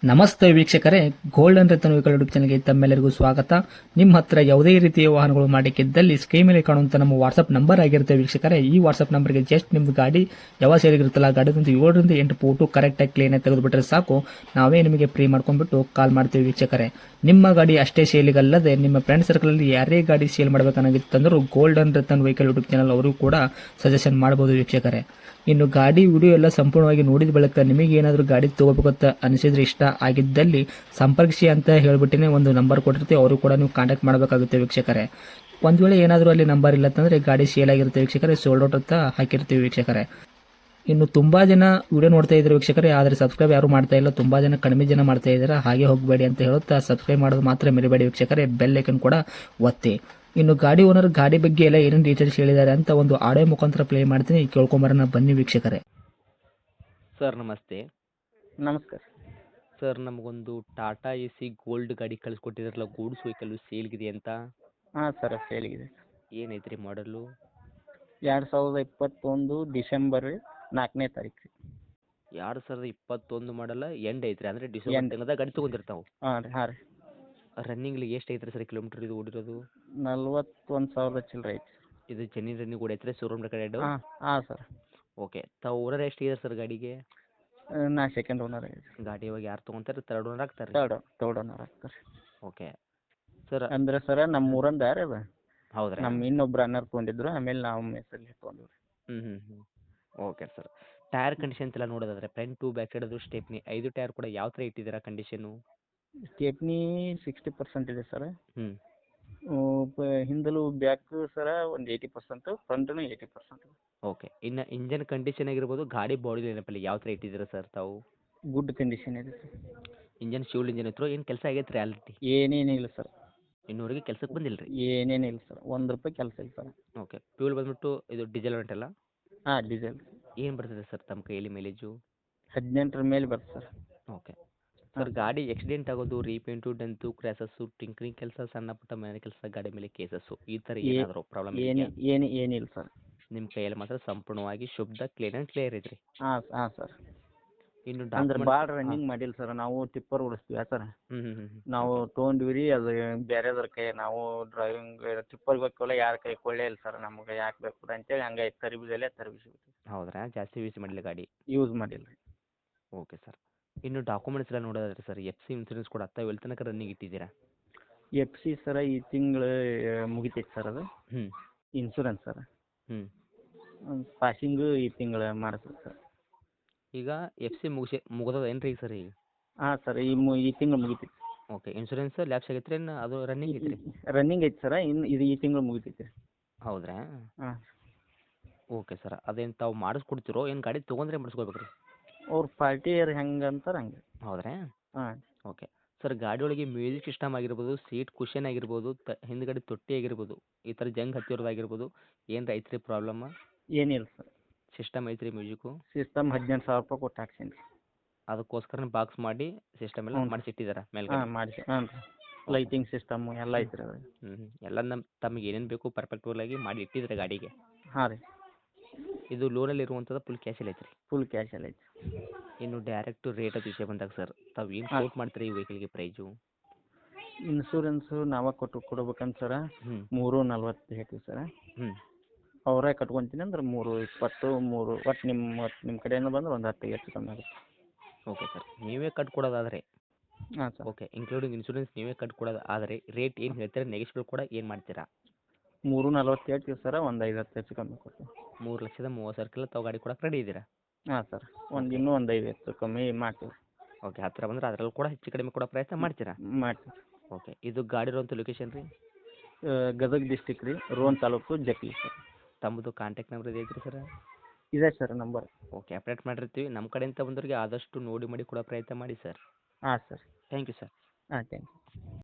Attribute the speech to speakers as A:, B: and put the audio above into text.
A: ನಮಸ್ತೆ ವೀಕ್ಷಕರೇ, golden Ratan vehicle YouTube ಚಾನಲ್ಗೆ ತಮ್ಮೆಲ್ಲರಿಗೂ ಸ್ವಾಗತ. ನಿಮ್ಮ ಹತ್ರ ಯಾವುದೇ ರೀತಿಯ ವಾಹನಗಳು ಮಾಡಲಿಕ್ಕಿದ್ದಲ್ಲಿ ಸ್ಕ್ರೀನ್ ಮೇಲೆ ಕಾಣುವಂತ ನಮ್ಮ ವಾಟ್ಸ್ಆಪ್ ನಂಬರ್ ಆಗಿರುತ್ತೆ ವೀಕ್ಷಕರೇ. ಈ ವಾಟ್ಸ್ಆಪ್ ನಂಬರ್ಗೆ ಜಸ್ಟ್ ನಿಮ್ದು ಗಾಡಿ ಯಾವ ಸೇರಿಗಿರುತ್ತಲ್ಲ ಗಾಡಿದಂತ 7ರಿಂದ 8 ಫೋಟೋ ಕರೆಕ್ಟಾಗಿ ಕ್ಲೀನ್ ಆಗಿ ತೆಗೆದುಬಿಟ್ರೆ ಸಾಕು, ನಾವೇ ನಿಮಗೆ ಫ್ರೀ ಮಾಡ್ಕೊಂಡ್ಬಿಟ್ಟು ಕಾಲ್ ಮಾಡ್ತೀವಿ ವೀಕ್ಷಕರೇ. ನಿಮ್ಮ ಗಾಡಿ ಅಷ್ಟೇ ಸೇಲಿಗಲ್ಲದೆ ನಿಮ್ಮ ಫ್ರೆಂಡ್ ಸರ್ಕಲ್ ಅಲ್ಲಿ ಯಾರೇ ಗಾಡಿ ಸೇಲ್ ಮಾಡಬೇಕನ್ನಾಗಿತ್ತಂದ್ರೂ golden Ratan vehicle YouTube channel ಅವರು ಕೂಡ ಸಜೆಷನ್ ಮಾಡಬಹುದು ವೀಕ್ಷಕರೇ. ಇನ್ನು ಗಾಡಿ ವಿಡಿಯೋ ಎಲ್ಲ ಸಂಪೂರ್ಣವಾಗಿ ನೋಡಿದ ಬಳಿಕ ನಿಮಗೆ ಏನಾದರೂ ಗಾಡಿ ತಗೋಬೇಕಂತ ಅನಿಸಿದ್ರೆ, ಇಷ್ಟ ಆಗಿದ್ದಲ್ಲಿ ಸಂಪರ್ಕಿಸಿ ಅಂತ ಹೇಳ್ಬಿಟ್ಟಿನೇ ಒಂದು ನಂಬರ್ ಕೊಟ್ಟಿರ್ತೀವಿ, ಅವರು ಕೂಡ ನೀವು ಕಾಂಟ್ಯಾಕ್ಟ್ ಮಾಡಬೇಕಾಗುತ್ತೆ ವೀಕ್ಷಕರೇ. ಒಂದು ವೇಳೆ ಏನಾದರೂ ಅಲ್ಲಿ ನಂಬರ್ ಇಲ್ಲ ಅಂತಂದರೆ ಗಾಡಿ ಸೇಲ್ ಆಗಿರುತ್ತೆ ವೀಕ್ಷಕರೇ, ಸೋಲ್ಡ್ ಔಟ್ ಅಂತ ಹಾಕಿರ್ತೀವಿ ವೀಕ್ಷಕರೇ. ಇನ್ನು ತುಂಬಾ ಜನ ವಿಡಿಯೋ ನೋಡ್ತಾ ಇದ್ದಾರೆ ವೀಕ್ಷಕರೇ, ಆದರೆ ಸಬ್ಸ್ಕ್ರೈಬ್ ಯಾರು ಮಾಡ್ತಾ ಇಲ್ಲ, ತುಂಬಾ ಜನ ಕಡಿಮೆ ಜನ ಮಾಡ್ತಾ ಇದ್ದಾರೆ. ಹಾಗೆ ಹೋಗಬೇಡಿ ಅಂತ ಹೇಳುತ್ತಾ ಸಬ್ಸ್ಕ್ರೈಬ್ ಮಾಡೋದು ಮಾತ್ರ ಮರಿಬೇಡಿ ವೀಕ್ಷಕರೇ, ಬೆಲ್ ಐಕನ್ ಕೂಡ ಒತ್ತಿ. ಇನ್ನು ಗಾಡಿ ಓನರ್ ಗಾಡಿ ಬಗ್ಗೆ ಎಲ್ಲ ಏನೇನು ಡೀಟೇಲ್ಸ್ ಹೇಳಿದ್ದಾರೆ ಅಂತ ಒಂದು ಆಡಿಯೋ ಮುಖಾಂತರ ಪ್ಲೇ ಮಾಡ್ತೀನಿ, ಕೇಳ್ಕೊಂಬರೋಣ ಬನ್ನಿ ವೀಕ್ಷಕರೇ.
B: ಸರ್ ನಮಸ್ತೆ.
C: ನಮಸ್ಕಾರ.
B: ಸರ್ ನಮಗೊಂದು ಟಾಟಾ ಎ ಸಿ ಗೋಲ್ಡ್ ಗಾಡಿ ಕಳಿಸ್ಕೊಟ್ಟಿದ್ರಲ್ಲ, ಗೂಡ್ಸ್ ವೆಹಿಕಲ್ಲು ಸೇಲ್ಗಿದೆ ಅಂತ.
C: ಹಾಂ ಸರ್, ಸೇಲಿಗಿದೆ.
B: ಏನೈತ್ರಿ ಮಾಡಲು?
C: 2021 ಡಿಸೆಂಬರ್ 4ನೇ ತಾರೀಕು ರೀ.
B: 2021 ಮಾಡಲ್ಲ ಎಂಡ್ ಐತ್ರಿ, ಅಂದರೆ ಡಿಸೆಂಬರ್ ತಿಂಗಳದಾಗ ಗಾಡಿ ತೊಗೊಂಡಿರ್ತಾವೆ.
C: ಹಾಂ ರೀ, ಹಾಂ ರೀ.
B: ರನ್ನಿಂಗ್ಲಿ ಎಷ್ಟು ಐತ್ರಿ ಸರ್ ಕಿಲೋಮೀಟ್ರ್ ಇದು ಓಡಿರೋದು?
C: 41,000 ಚಿಲ್ಲರೆ ಐತಿ.
B: ಇದು ಚೆನ್ನೈ ರನ್ನಿಂಗ್ ಓಡೈತ್ರಿ, ಶೋರೂಮ್ ರೆಕಾರ್ಡ್?
C: ಹಾಂ ಹಾಂ ಸರ್.
B: ಓಕೆ, ತಾವು ಓನರ್ ಎಷ್ಟಿದೆ ಸರ್ ಗಾಡಿಗೆ?
C: ನಾ ಸೆಕೆಂಡ್ ಓನರ್ ಆಗಿದೆ.
B: ಗಾಡಿ ಇವಾಗ ಯಾರು ತೊಗೊಂತಾರೆ? ಥರ್ಡ್ ಓನರ್ ಆಗ್ತಾರೆ?
C: ತರ್ಡ್ ಓನರ್ ಆಗ್ತಾರೆ.
B: Okay sir.
C: ಅಂದ್ರೆ ಸರ ನಮ್ಮ ಊರಂದ ಯಾರು ಅದು,
B: ಹೌದ್ರಾ?
C: ನಮ್ಮ ಇನ್ನೊಬ್ರು ಅಣ್ಣರು ತೊಗೊಂಡಿದ್ರು, ಆಮೇಲೆ ನಾವು ಹೆಸರಲ್ಲಿ ತೊಗೊಂಡಿವ್ರಿ.
B: ಹ್ಞೂ ಓಕೆ ಸರ್. ಟೈರ್ ಕಂಡೀಷನ್ಸ್ ಎಲ್ಲ ನೋಡೋದಾದ್ರೆ ಫ್ರಂಟ್ ಟು ಬ್ಯಾಕ್ ಸೈಡ್ ಅದು ಸ್ಟೆಪ್ನಿ 5 ಟೈರ್ ಕೂಡ ಯಾವ ಥರ ಇಟ್ಟಿದ್ದೀರಾ ಕಂಡೀಷನು?
C: ಸ್ಟೇಪ್ನಿ 60% ಇದೆ ಸರ್.
B: ಹ್ಞೂ
C: ಹಿಂದಲು ಬ್ಯಾಕ್ ಸರ ಒಂದು 80%, ಫ್ರಂಟ್ನು 80%.
B: ಓಕೆ, ಇನ್ನು ಇಂಜನ್ ಕಂಡೀಷನ್ ಆಗಿರ್ಬೋದು, ಗಾಡಿ ಬಾಡಿ ಏನಪ್ಪಲ್ಲಿ ಯಾವ ಥರ ಇಟ್ಟಿದ್ದೀರಾ ಸರ್ ತಾವು?
C: ಗುಡ್ ಕಂಡೀಷನ್ ಇದೆ ಸರ್.
B: ಇಂಜನ್ ಶಿವಲ್ ಇಂಜನ್ ಇತ್ತು, ಏನು ಕೆಲಸ ಆಗೈತೆ ರೀ ಆಲ್ರೆಡಿ?
C: ಏನೇನಿಲ್ಲ ಸರ್.
B: ಇನ್ನೂವರೆಗೆ ಕೆಲಸಕ್ಕೆ ಬಂದಿಲ್ಲ ರೀ?
C: ಏನೇನಿಲ್ಲ ಸರ್, ₹1 ಕೆಲಸ ಇಲ್ಲ ಸರ್.
B: ಓಕೆ, ಫ್ಯೂಲ್ ಬಂದ್ಬಿಟ್ಟು ಇದು ಡೀಸೆಲ್ ಉಂಟಲ್ಲ?
C: ಹಾಂ, ಡೀಸೆಲ್.
B: ಏನು ಬರ್ತದೆ ಸರ್ ತಮ್ಮ ಕೈಯಲ್ಲಿ ಮೈಲೇಜು?
C: 18ರ ಮೇಲೆ ಬರುತ್ತೆ ಸರ್.
B: ಓಕೆ ಸರ್, ಗಾಡಿ ಆಕ್ಸಿಡೆಂಟ್ ಆಗೋದು, ರೀಪೇಂಟು, ಡೆಂತು, ಕ್ರ್ಯಾಸಸ್ಸು, ಟಿಂಕ್ರಿಂಗ್ ಕೆಲಸ, ಸಣ್ಣ ಪುಟ್ಟ ಮನೆ ಕೆಲಸ, ಗಾಡಿ ಮೇಲೆ ಕೇಸಸ್ಸು, ಈ ಥರ ಏನಾದರೂ ಪ್ರಾಬ್ಲಮ್ ಇದೆಯಾ?
C: ಏನಿಲ್ಲ ಸರ್.
B: ನಿಮ್ಮ ಕೈಯಲ್ಲಿ ಮಾತ್ರ ಸಂಪೂರ್ಣವಾಗಿ ಶುದ್ಧ ಕ್ಲೀನ್ ಆ್ಯಂಡ್ ಕ್ಲಿಯರ್ ಐತ್ರಿ?
C: ಹಾಂ ಹಾಂ ಸರ್.
B: ಇನ್ನು
C: ಅಂದ್ರೆ
B: ಡಾಕ್ಯುಮೆಂಟ್?
C: ಭಾಳ ರನ್ನಿಂಗ್ ಮಾಡಿಲ್ಲ ಸರ್. ನಾವು ಟಿಪ್ಪರ್ ಓಡಿಸ್ತೀವಿ ಸರ್.
B: ಹ್ಞೂ
C: ನಾವು ತೊಗೊಂಡ್ವಿ ರೀ, ಅದು ಬೇರೆದ್ರ ಕೈ ನಾವು ಡ್ರೈವಿಂಗ್ ಟಿಪ್ಪರ್ಗೆ ಹೋಗ್ಕೊಳ್ಳೋ ಯಾರ ಕೈ ಕೊಳ್ಳೇ ಇಲ್ಲ ಸರ್. ನಮ್ಗೆ ಯಾಕೆ ಬೇಕು ಅಂತೇಳಿ ಹಂಗೆ ತರಬಿಸಿಬಿಟ್ಟು
B: ಹೌದ್ರಾ? ಜಾಸ್ತಿ ಯೂಸ್ ಮಾಡಿಲ್ಲ ಗಾಡಿ?
C: ಯೂಸ್ ಮಾಡಿಲ್ಲ ರೀ.
B: Okay sir. ಇನ್ನು ಡಾಕ್ಯುಮೆಂಟ್ಸ್ ಎಲ್ಲ ನೋಡೋದಾದ್ರೆ ಸರ್, ಎಫ್ ಸಿ ಇನ್ಸೂರೆನ್ಸ್ ಕೂಡ ತಾವು ಎಲ್ಲಿ ತನಕ ರನ್ನಿಂಗ್ ಇಟ್ಟಿದ್ದೀರಾ?
C: FC ಸರ ಈ ತಿಂಗಳು ಮುಗಿತೈತೆ ಸರ್ ಅದು
B: ಹ್ಞೂ
C: ಇನ್ಶೂರೆನ್ಸ್ ಸರ್.
B: ಹ್ಞೂ
C: ಪಾಸಿಂಗು ಈ ತಿಂಗಳು ಮಾಡಿಸ್ಬೇಕು ಸರ್.
B: ಈಗ ಎಫ್ ಸಿ ಮುಗಿದದ ಏನು ರೀ ಸರ್ ಈಗ?
C: ಹಾಂ ಸರ್, ಈ ತಿಂಗಳು ಮುಗಿತೈತಿ.
B: ಓಕೆ, ಇನ್ಶೂರೆನ್ಸ್ ಲ್ಯಾಪ್ಸ್ ಆಗೈತೆ ರೀ, ಅದು ರನ್ನಿಂಗ್ ಐತೆ ರೀ?
C: ರನ್ನಿಂಗ್ ಐತಿ ಸರ, ಇನ್ನು ಇದು ಈ ತಿಂಗಳು ಮುಗಿತೈತಿ.
B: ಹೌದ್ರಾ?
C: ಹಾಂ.
B: ಓಕೆ ಸರ್, ಅದೇನು ತಾವು ಮಾಡಿಸ್ಕೊಡ್ತಿರೋ ಏನು ಗಾಡಿ ತೊಗೊಂಡ್ರೆ ಮಾಡಿಸ್ಕೋಬೇಕು ರೀ?
C: ಅವ್ರ ಪಾರ್ಟಿಯರ್ ಹೆಂಗೆ ಅಂತಾರೆ ಹಂಗೆ.
B: ಹೌದ್ರಾ?
C: ಹಾಂ.
B: ಓಕೆ ಸರ್, ಗಾಡಿ ಒಳಗೆ ಮ್ಯೂಸಿಕ್ ಸಿಸ್ಟಮ್ ಆಗಿರ್ಬೋದು, ಸೀಟ್ ಕುಷನ್ ಆಗಿರ್ಬೋದು, ಹಿಂದ್ಗಡೆ ತೊಟ್ಟಿ ಆಗಿರ್ಬೋದು, ಈ ಥರ ಜಂಗ್ ಹತ್ತಿರೋದಾಗಿರ್ಬೋದು, ಏನು ಐತ್ರಿ ಪ್ರಾಬ್ಲಮ್?
C: ಏನಿಲ್ಲ ಸರ್.
B: ಸಿಸ್ಟಮ್ ಐತ್ರಿ ಮ್ಯೂಸಿಕ್ಕು?
C: ಸಿಸ್ಟಮ್ ₹18,000 ಕೊಟ್ಟು ಹಾಕ್ಸೀನಿ ರೀ.
B: ಅದಕ್ಕೋಸ್ಕರ ಬಾಕ್ಸ್ ಮಾಡಿ ಸಿಸ್ಟಮ್ ಎಲ್ಲ
C: ಹ್ಞೂ ರೀ.
B: ಮಾಡಿಸಿಟ್ಟಿದ್ದಾರೆ
C: ಹಾಂ,
B: ಮೇಲ್ಗಡೆ?
C: ಮಾಡಿಸಿ. ಹಾಂ ರೀ. ಲೈಟಿಂಗ್ ಸಿಸ್ಟಮು ಎಲ್ಲ ಐತೆ ರೀ ಅದ್ರಾಗ.
B: ಎಲ್ಲ ತಮಗೆ ಏನೇನು ಬೇಕು ಪರ್ಫೆಕ್ಟ್ವಲಾಗಿ ಮಾಡಿ ಇಟ್ಟಿದ್ರೆ ಗಾಡಿಗೆ?
C: ಹಾಂ ರೀ.
B: ಇದು ಲೋನಲ್ಲಿ ಇರುವಂಥದ್ದು ಫುಲ್ ಕ್ಯಾಶಲ್ಲಿ ಐತ್ರಿ?
C: ಫುಲ್ ಕ್ಯಾಶಲ್ಲಿ ಐತೆ.
B: ಇನ್ನು ಡೈರೆಕ್ಟು ರೇಟ್ ಅದು ವಿಷಯ ಬಂದಾಗ ಸರ್, ತಾವು ಏನು ಕೋಟ್ ಮಾಡ್ತೀರಿ ಈ ವೆಹಿಕಲ್ಗೆ ಪ್ರೈಸು?
C: ಇನ್ಶೂರೆನ್ಸು ನಾವೇ ಕೊಡ್ಬೇಕಂತ ಸರ
B: ಹ್ಞೂ
C: 340 ಹೇಳ್ತೀವಿ ಸರ.
B: ಹ್ಞೂ
C: ಅವರೇ ಕಟ್ಕೊತೀನಿ ಅಂದ್ರೆ 320 ಒಟ್ಟು ನಿಮ್ಮ ಕಡೆಯಿಂದ ಬಂದ್ರೆ ಒಂದು 10 ಹೆಚ್ಚು ಕಮ್ಮಿ ಆಗುತ್ತೆ.
B: ಓಕೆ ಸರ್, ನೀವೇ ಕಟ್ಕೊಡೋದಾದರೆ?
C: ಹಾಂ ಸರ್.
B: ಓಕೆ, ಇನ್ಕ್ಲೂಡಿಂಗ್ ಇನ್ಶೂರೆನ್ಸ್ ನೀವೇ ಕಟ್ಕೊಡೋದು ಆದರೆ ರೇಟ್ ಏನು ಹೇಳ್ತೀರಾ, ನೆಗೆಶ್ಬಲ್ ಕೂಡ ಏನು ಮಾಡ್ತೀರಾ?
C: 340 ಹೇಳ್ತೀವಿ ಸರ, ಒಂದು 50 ಹೆಚ್ಚು ಕಮ್ಮಿ ಕೊಡ್ತೀವಿ.
B: 3,30,000 ತಾವು ಗಾಡಿ ಕೊಡಕ್ಕೆ ರೆಡಿ ಇದ್ದೀರಾ?
C: ಹಾಂ ಸರ್, ಇನ್ನೂ ಒಂದು 5 ಹೆಚ್ಚು ಕಮ್ಮಿ ಮಾಡ್ತೀವಿ.
B: ಓಕೆ, ಹತ್ತಿರ ಬಂದರೆ ಅದರಲ್ಲೂ ಕೂಡ ಹೆಚ್ಚು ಕಡಿಮೆ ಕೊಡೋ ಪ್ರಯತ್ನ ಮಾಡ್ತೀರಾ?
C: ಮಾಡ್ತೀವಿ.
B: ಓಕೆ, ಇದು ಗಾಡಿ ಇರುವಂಥ ಲೊಕೇಶನ್ ರೀ?
C: ಗದಗ ಡಿಸ್ಟಿಕ್ ರೀ, ರೋಣ ತಾಲೂಕು, ಜಕ್ಲಿ ಸರ್.
B: ತಮ್ಮದು ಕಾಂಟ್ಯಾಕ್ಟ್ ನಂಬರ್ ಇದೆ ಸರ್?
C: ಇದೆ ಸರ್ ನಂಬರ್.
B: ಓಕೆ, ಅಪ್ಡೇಟ್ ಮಾಡಿರ್ತೀವಿ. ನಮ್ಮ ಕಡೆಯಿಂದ ಬಂದವರಿಗೆ ಆದಷ್ಟು ನೋಡಿ ಮಾಡಿ ಕೊಡೋ ಪ್ರಯತ್ನ ಮಾಡಿ ಸರ್.
C: ಹಾಂ ಸರ್.
B: Thank you sir.
C: ಹಾಂ, ಥ್ಯಾಂಕ್ ಯು.